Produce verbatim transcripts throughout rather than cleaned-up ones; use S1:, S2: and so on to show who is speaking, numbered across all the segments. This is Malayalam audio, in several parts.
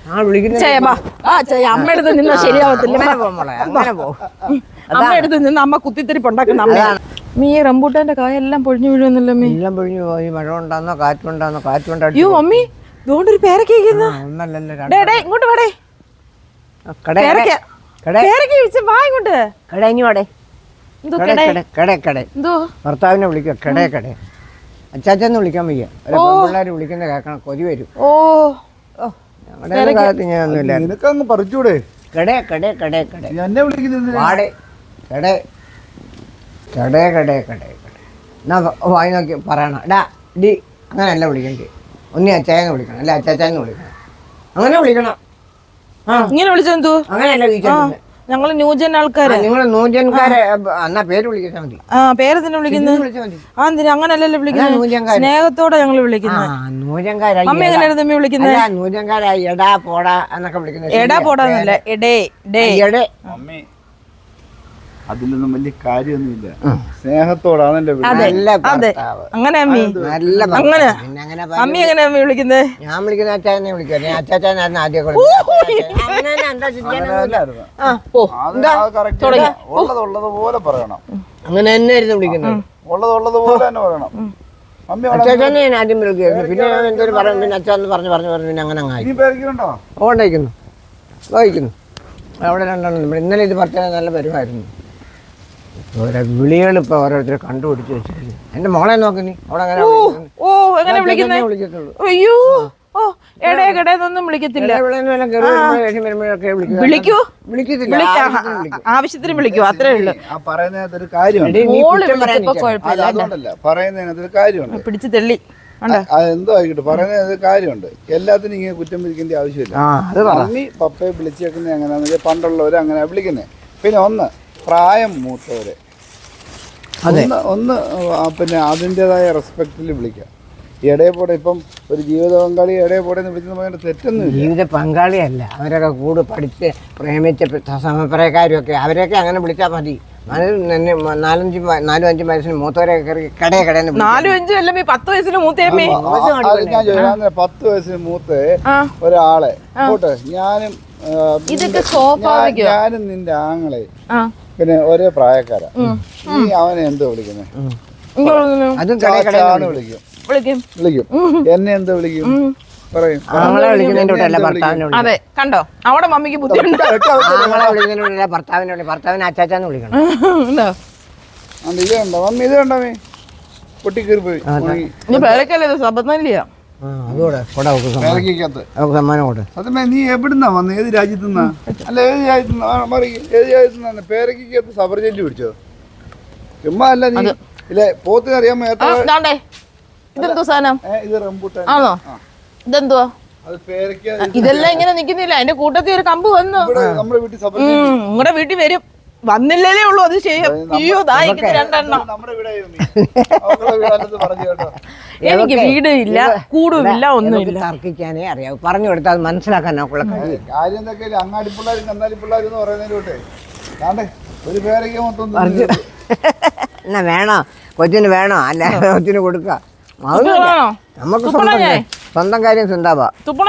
S1: അമ്മ എടുത്ത് നിന്നാ ശരിയാവത്തില്ല. അമ്മ എടുത്ത് നിന്ന് അമ്മ കുത്തിത്തിരിപ്പുണ്ടാക്കുന്ന അമ്മയാണ്. മീ റംബൂട്ടാന്റെ കായ എല്ലാം പൊഴിഞ്ഞു വീഴുന്നില്ല. മീ
S2: എല്ലാം പൊഴിഞ്ഞു പോയി. മഴ ഉണ്ടാകുന്നോ കാറ്റുണ്ടാകുന്നോ കാറ്റുണ്ടോ.
S1: അയ്യോ മമ്മി ഇതുകൊണ്ടൊരു പേരക്ക ഇങ്ങോട്ട് വേടേ വാ ഇങ്ങോട്ട്.
S2: ഭർത്താവിനെ വിളിക്കുക കടേ കടേ അച്ചാച്ചന്ന് വിളിക്കാൻ വയ്യ. പിള്ളേർ വിളിക്കുന്ന കേൾക്കണം കൊതി വരും. ഓ ഞങ്ങളുടെ കാലത്ത് ഞാനൊന്നുമില്ല.
S3: നിനക്കങ്ങ് പറിച്ചൂടെ?
S2: കടേ കടേ കടേ കടേ
S3: എന്നെ വിളിക്കുന്നത്
S2: വാടേ കടേ കടേ കടേ കടേ കടേ എന്നാ വായി നോക്കി പറയണം. എടാ ഡി അങ്ങനെയല്ല വിളിക്കണ്ടേ. ഒന്നി അച്ചായെന്ന് വിളിക്കണം അല്ല അച്ചാച്ചാന്ന് വിളിക്കണം. അങ്ങനെ വിളിക്കണം. ആ
S1: ഇങ്ങനെ വിളിച്ചെന്തോ അങ്ങനെയല്ല വിളിച്ചത്. ഞങ്ങള് ന്യൂജൻ ആൾക്കാര്.
S2: നിങ്ങൾ ന്യൂജൻകാരെ എന്നാ പേര് വിളിക്കാൻ മതി.
S1: ആ പേര് തന്നെ വിളിക്കുന്നത്. ആ എന്തിനാ അങ്ങനല്ലല്ലോ വിളിക്കുന്നത്. സ്നേഹത്തോടെ ഞങ്ങള് വിളിക്കുന്നത്.
S2: ന്യൂജൻകാരായി
S1: അമ്മ എങ്ങനെയാണ് തമ്മി വിളിക്കുന്നത്?
S2: ന്യൂജൻകാരായി എടാ പോടാ എന്നൊക്കെ വിളിക്കുന്നത്.
S1: എടാ പോടാന്നല്ല എടേ ഡേ എടേ.
S3: അമ്മേ അതിലൊന്നും വലിയ കാര്യമൊന്നുമില്ല. സ്നേഹത്തോടാണ്
S1: അങ്ങനെ അമ്മി അങ്ങനെ അമ്മി എങ്ങനെ അമ്മി വിളിക്കുന്നത്?
S2: ഞാൻ വിളിക്കുന്ന അച്ചാച്ചനെ വിളിക്കുക. അച്ചാച്ചാനായിരുന്നു ആദ്യം.
S3: ഉള്ളതുപോലെ പറയണം.
S2: അങ്ങനെ തന്നെയായിരുന്നു വിളിക്കുന്നത്.
S3: ഉള്ളതുള്ളതുപോലെ തന്നെ പറയണം.
S2: അച്ചാച്ചനെ ഞാൻ ആദ്യം വിളിക്കുമായിരുന്നു. പിന്നെ എന്തൊരു പറയും. പിന്നെ അച്ഛന്ന് പറഞ്ഞു പറഞ്ഞു പറഞ്ഞു പിന്നെ അങ്ങനെ അങ്ങായി. ഓണ്ടായിക്കുന്നു വായിക്കുന്നു അവിടെ രണ്ടെണ്ണം. ഇന്നലെ ഇത് പറഞ്ഞാൽ നല്ല വരുമായിരുന്നു. ഓരോ വിളികൾ ഇപ്പൊ ഓരോരുത്തരെ കണ്ടുപിടിച്ച് വെച്ചിരിക്കുന്നു. എന്റെ മോളെ നോക്ക് നീ. അവിടെ അങ്ങനെ
S1: വിളിക്കത്തുള്ളൂ. അയ്യോ ഓ എടേ കടേന്നൊന്നും വിളിക്കത്തില്ല. ആവശ്യത്തിന് വിളിക്കൂ അത്രേ ഉള്ളൂ.
S3: പറയുന്നതിനകത്തൊരു കാര്യമുണ്ട്. പറയുന്നതിനകത്തൊരു കാര്യമുണ്ട്.
S1: പിടിച്ചു തെള്ളി
S3: അതെന്തോ ആയിക്കോട്ടെ. പറയുന്നത് കാര്യമുണ്ട്. എല്ലാത്തിനും ഇങ്ങനെ കുറ്റം പിടിക്കേണ്ട ആവശ്യമില്ല. മമ്മി പപ്പയെ വിളിച്ചേക്കുന്നത് എങ്ങനെയാണെന്ന് വെച്ചാൽ പണ്ടുള്ളവര് അങ്ങനെ വിളിക്കുന്നത്. പിന്നെ ഒന്ന് പ്രായം മൂത്തവരെ ഒന്ന് ഒന്ന് പിന്നെ അതിൻ്റെതായ റെസ്പെക്റ്റിൽ വിളിക്കാം. ഇടയപ്പോടെ ഇപ്പം ഒരു ജീവിത പങ്കാളി ഇടയപ്പോടെ വിളിക്കുന്ന പറയുന്നത് തെറ്റൊന്നും.
S2: ജീവിത പങ്കാളിയല്ല, അവരൊക്കെ കൂടെ പഠിച്ച് പ്രേമിച്ച സമപ്രായക്കാരും ഒക്കെ അവരെയൊക്കെ അങ്ങനെ വിളിച്ചാൽ മതി. നാലഞ്ച് നാലും അഞ്ചും വയസ്സിന് മൂത്തവരെ കടയെ കടന്ന്
S1: നാലും അഞ്ചും അല്ല പത്ത് വയസ്സിന് മൂത്തേ.
S3: പത്ത് വയസ്സിന് മൂത്ത ഒരാളെ പോട്ടെ. ഞാനും ഞാനും നിന്റെ ആങ്ങളെ പിന്നെ ഒരേ പ്രായക്കാരാ. നീ അവനെ എന്തോ വിളിക്കുന്നത്? വിളിക്കും വിളിക്കും എന്നെ എന്തോ വിളിക്കും പറയും.
S1: അതെ കണ്ടോ അവിടെ മമ്മിക്ക് ബുദ്ധിമുട്ട്.
S2: ഭർത്താവിനെ ഭർത്താവിനെ അച്ചാച്ചാന്ന് വിളിക്കണം.
S3: ഇത് കണ്ടോ മമ്മി? ഇത് കണ്ടോ മീ പൊട്ടിക്കേറി പോയി. നീ എവിടുന്നാ വന്ന്? ഏത് രാജ്യത്തുനിന്നാ? അല്ല ഏത് രാജ്യത്തുനിന്നാ? ഏത് രാജ്യത്തുനിന്നാ? പേരക്കകത്ത് സബർ ജെല്ലി പിടിച്ചോ? ചുമ്മാ അല്ല നീ ഇല്ലേ പോത്തിന് അറിയാമോ? ഇത് റംബൂട്ടാൻ ആണോ?
S1: ഇതെന്തുവാ? ഇതെല്ലാം ഇങ്ങനെ നിക്കുന്നില്ല. അതിന്റെ കൂട്ടത്തിൽ ഒരു കമ്പ് വന്നു. നിങ്ങളുടെ വീട്ടിൽ വരും. വന്നില്ലേ ഉള്ളൂ. അത് ചെയ്യാം. അയ്യോ ദാഹിക്കുന്ന രണ്ടെണ്ണം. എനിക്ക് വീട് ഇല്ല കൂടുമില്ല ഒന്നുമില്ല.
S2: തർക്കിക്കാനേ അറിയാവൂ. പറഞ്ഞു കൊടുത്താൽ മനസ്സിലാക്കാൻ നോക്കുള്ള
S3: കാര്യം എന്തൊക്കെ അങ്ങാടി പിള്ളേരും കന്നാലി പിള്ളേരും എന്ന് പറയുന്നതിലോട്ടെ ഒരു പേരൊക്കെ മൊത്തം
S2: എന്നാ വേണോ കൊച്ചിന് വേണോ അല്ല കൊച്ചിന് കൊടുക്ക. നമുക്ക് സ്വന്തം കാര്യം ചിന്താവാ.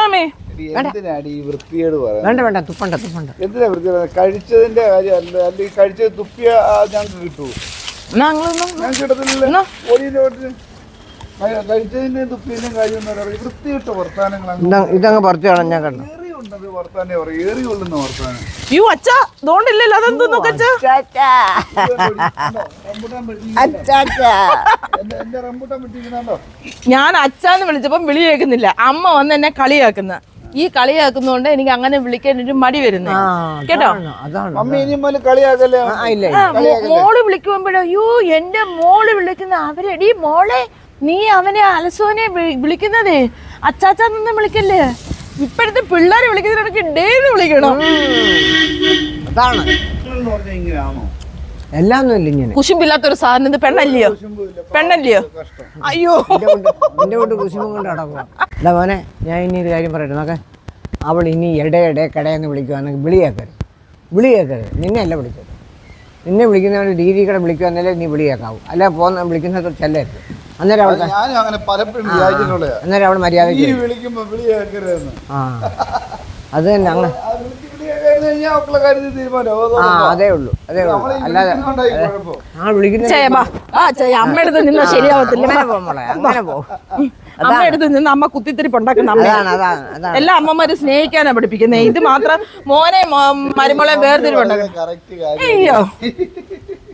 S2: വേണ്ട വേണ്ട തുപ്പണ്ട തുപ്പണ്ട.
S3: എന്തിനാ വൃത്തികേട്? കഴിച്ചതിന്റെ കാര്യം അല്ല. അല്ലെങ്കിൽ കഴിച്ചത് തുപ്പിയ ഞങ്ങൾക്ക് കിട്ടൂ? ഞങ്ങൾക്ക് കിട്ടത്തില്ലല്ലോ. കഴിച്ചതിന്റെ തുപ്പിയതിന്റെ കാര്യം വൃത്തിയിട്ട വർത്താനങ്ങൾ
S2: ഇതങ്ങ് പറിച്ചു കളഞ്ഞാൽ കണ്ടു.
S1: ഞാൻ അച്ഛാന്ന് വിളിച്ചപ്പം വിളി കേൾക്കുന്നില്ല. അമ്മ വന്ന് എന്നെ കളിയാക്കുന്ന ഈ കളിയാക്കുന്നോണ്ട് എനിക്ക് അങ്ങനെ വിളിക്കാൻ ഒരു മടി വരുന്നു കേട്ടോ. മോള് വിളിക്കുമ്പോഴോ അയ്യോ എന്റെ മോള് വിളിക്കുന്ന അവരെടി മോളെ നീ അവനെ അലസോനെ വിളിക്കുന്നതേ അച്ചാച്ചാന്നൊന്നും വിളിക്കല്ലേ. ഇപ്പോഴത്തെ പിള്ളേരെ വിളിക്കുന്നതിനൊക്കെ ഡേന്ന് വിളിക്കണം.
S2: അതാണ് എല്ലാം ഇങ്ങനെ
S1: കുശുമ്പില്ലാത്തൊരു സാധനം. ഇത് പെണ്ണല്ലയോ പെണ്ണല്ലയോ? അയ്യോ
S2: എന്റെ കൊണ്ട് കുശുമ്പും കൊണ്ട് നടക്കുക. അല്ല മോനെ ഞാൻ ഇനി ഒരു കാര്യം പറയട്ടെ നോക്കെ. അവൾ ഇനി ഇടയിടെ കടയെന്ന് വിളിക്കുവാണെങ്കിൽ വിളിയേക്കരുത്. വിളിയേക്കരുത്. നിന്നെ അല്ല വിളിക്കരുത്. നിന്നെ വിളിക്കുന്നവരുടെ രീതി കൂടെ വിളിക്കുവാന്നല്ലേ നീ വിളിയേക്കാവും. അല്ല പോന്ന വിളിക്കുന്നത് ചെല്ലരുത്. അന്നേരം അവൾ അന്നേരം അവൾ മര്യാദ. ആ അത് തന്നെ അങ്ങ് ആ അതേ ഉള്ളൂ അതേ ഉള്ളൂ അല്ലാതെ ആ വിളിക്കുന്ന
S1: ചേ, ബാ. ആ, ചേ, അമ്മയടുത്ത് നിന്നാ ശരിയാവത്തില്ല.
S2: അങ്ങനെ പോ മോളെ അങ്ങനെ പോ
S1: അമ്മയടുത്ത് നിന്ന് അമ്മ കുത്തിത്തിരിപ്പ് ഉണ്ടാക്കുന്ന അമ്മ.
S2: അതാണ് അതാണ് അതാണ്
S1: എല്ലാ അമ്മമാരും സ്നേഹിക്കാനാ പഠിപ്പിക്കുന്നത്. ഇത് മാത്രം മോനെ മരുമോളെ വേർതിരിവുണ്ടാക്കണം.
S3: കറക്റ്റ് കാര്യം
S1: അയ്യോ